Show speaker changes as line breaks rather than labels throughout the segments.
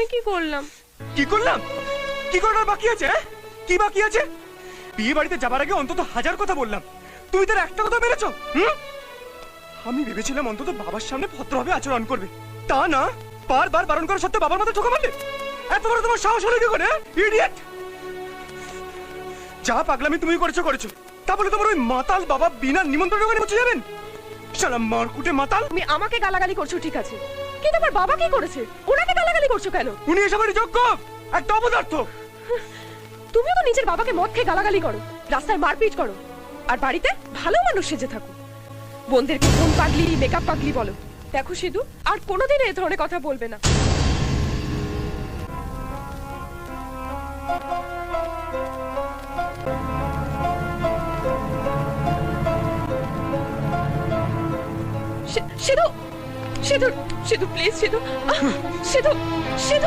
আমি কি করলাম?
কি করলাম? কি করার বাকি আছে? কি বাকি আছে? বিয়ে বাড়িতে যাবার আগে অন্তত 1000 কথা বললাম, তুই তার একটা কথা মেরেছো। আমি ভেবেছিলাম অন্তত বাবার সামনে ভদ্রভাবে আচরণ করবে, তা না, বারবার বারণ করা সত্ত্বেও বাবার মাথায় ঠোকা মারলে। এত বড় তোমার সাহস হলো কি করে, ইডিয়েট! যা পাগলামি তুমি করেছো তা বলে তোমার ওই মাতাল বাবা বিনা নিমন্ত্রণে ওখানে পৌঁছে যাবেন? শালা মারকুটে মাতাল!
তুমি আমাকে গালাগালি করছো ঠিক আছে, কিন্তু আমার বাবা কি করেছে? ওনাকে গালাগালি করছো কেন?
উনি এসবের যোগ্য একটা অপদার্থ।
তুমিও তো নিজের বাবাকে মদ খেয়ে গালাগালি করো, রাস্তায় মারপিট করো, আর বাড়িতে ভালো মানুষ সেজে থাকো। বোনদেরকে ফোন পাগলি, মেকআপ পাগলি বলো। দেখো সিধু, আর কোনোদিন এই ধরনের কথা বলবে না। সিধু, সিধু, সিধু প্লিজ, সিধু, সিধু, সিধু।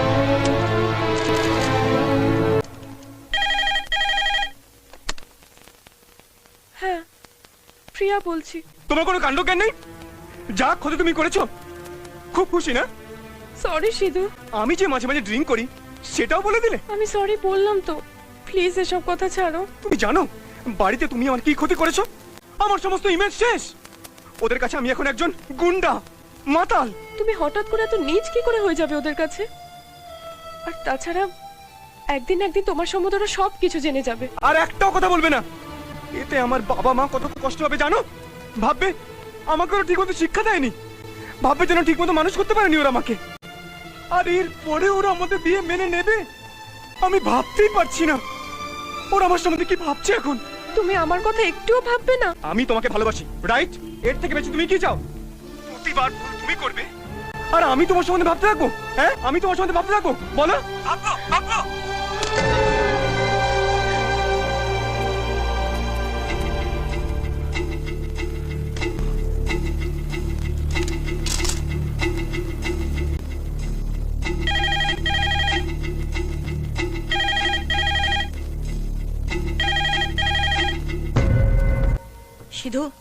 হ্যাঁ, প্রিয়া বলছি।
তোমার কোনো কাণ্ড জ্ঞান নেই? যা ক্ষতি তুমি করেছো, খুব খুশি না?
সরি সিধু।
আমি যে মাঝে মাঝে ড্রিঙ্ক করি সেটাও বলে দিলে।
আমি সরি বললাম তো, প্লিজ এসব কথা ছাড়ো।
তুমি জানো বাড়িতে তুমি আমার কি ক্ষতি করেছো? আমার সমস্ত ইমেজ শেষ। ওদের কাছে আমি এখন একজন গুন্ডা, মাতাল।
তুমি হঠাৎ করে এত নীচ কি করে হয়ে যাবে ওদের কাছে? আর তাছাড়া একদিন একদিন তোমার সম্বন্ধে ওরা সব কিছু জেনে যাবে।
আর একটাও কথা বলবে না, এতে আমার বাবা মা কত কষ্ট হবে জানো? ভাববে আমাকে ওরা ঠিকমতো শিক্ষা দেয়নি, ভাববে যেন ঠিকমতো মানুষ করতে পারেনি ওরা আমাকে। আর এর পরে ওরা আমাদের বিয়ে মেনে নেবে আমি ভাবতেই পারছি না। ওরা আমার সম্বন্ধে কি ভাবছে এখন?
তুমি আমার কথা একটুও ভাববে না?
আমি তোমাকে ভালোবাসি, রাইট? এর থেকে বেশি তুমি কি চাও? প্রতিবার ভুল তুমি করবে আর আমি তোমার সম্বন্ধে ভাবতে থাকবো? হ্যাঁ, আমি তোমার সম্বন্ধে ভাবতে থাকবো? বলো, ভাববো, ভাববো।
সিধু,